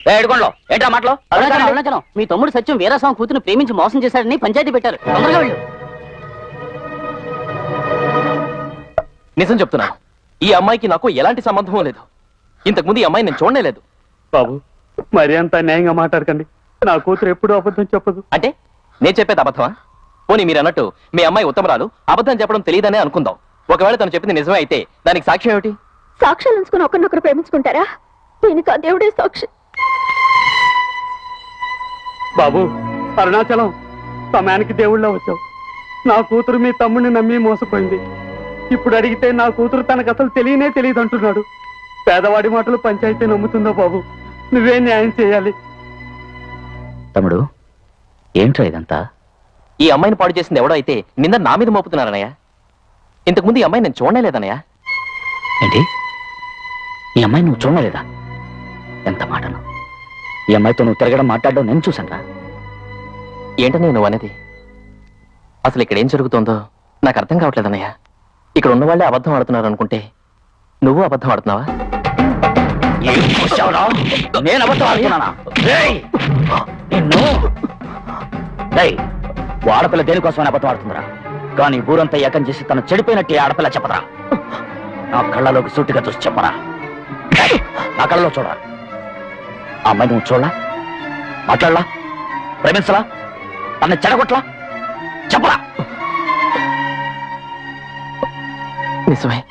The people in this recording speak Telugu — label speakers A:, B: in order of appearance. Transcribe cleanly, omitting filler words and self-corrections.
A: ఏడుకోండి ఏంటా మాటలో
B: అరుణాచలం మీ తమ్ముడు సత్యం వీరాస్వామి కూతురు ప్రేమించి మోసం చేశాడని పంచాయతీ పెట్టారు. తొందరగా వెళ్ళు.
C: నిజం చెప్తున్నా, ఈ అమ్మాయికి నాకు ఎలాంటి సంబంధం లేదు. ఇంతకుముందు ఈ అమ్మాయి నేను చూడనే లేదు.
D: బాబు మరి అంత న్యాయంగా మాట్లాడకండి. నా కూతురు ఎప్పుడూ అబద్ధం చెప్పదు.
C: అంటే నేను చెప్పేది అబద్ధమా? పోనీ మీరు అన్నట్టు మీ అమ్మాయి ఉత్తమరాలు, అబద్ధం చెప్పడం తెలియదనే అనుకుందాం. ఒకవేళ తను చెప్పింది నిజమే అయితే దానికి సాక్ష్యం ఏమిటి?
E: సాక్ష్యాలు ఉంచుకుని ఒకరినొకరు ప్రేమించుకుంటారా? దీనికి ఆ దేవుడే సాక్షి.
D: బాబు అరుణాచలం, సమయానికి దేవుళ్ళ వచ్చావు. నా కూతురు మీ తమ్ముడిని నమ్మి మోసపోయింది. ఇప్పుడు అడిగితే నా కూతురు తనకు అసలు తెలియనే తెలియదు అంటున్నాడు. పేదవాడి మాటలు పంచాయతీ నమ్ముతుందో బాబు? నువ్వే న్యాయం చేయాలి.
A: తమ్ముడు ఏంట్రా ఇదంతా?
C: ఈ అమ్మాయిని పాడు చేసింది ఎవడో అయితే నింద నా మీద మోపుతున్నారనయ్య. ఇంతకుముందు ఈ అమ్మాయి నేను చూడనే లేదనయ్య.
A: ఏంటి, ఈ అమ్మాయి నువ్వు చూడలేదా? ఎంత మాటను! ఈ అమ్మాయితో నువ్వు తిరగడం మాట్లాడడం నేను చూసాను రా.
C: ఏంటనే నువ్వు అనేది? అసలు ఇక్కడ ఏం జరుగుతుందో నాకు అర్థం కావట్లేదన్నయ్య. ఇక్కడ ఉన్న వాళ్ళే అబద్ధం ఆడుతున్నారు అనుకుంటే నువ్వు అబద్ధం ఆడుతున్నావా?
A: నేను అబద్ధం ఆడుతున్నానా? ఆడపిల్ల దేనికోసమని అబద్ధం ఆడుతుందిరా. కానీ ఊరంతా ఏకం చేసి తను చెడిపోయినట్టు ఆడపిల్ల చెప్పరా. నా కళ్ళలోకి సూటిగా చూసి చెప్పరా. నా కళ్ళలో చూడరా. ఆ అమ్మాయి నువ్వు చూడలా, మాట్లాడలా, ప్రేమించలా, తన చెడగొట్లా, చెప్పరా.
C: నిజమే.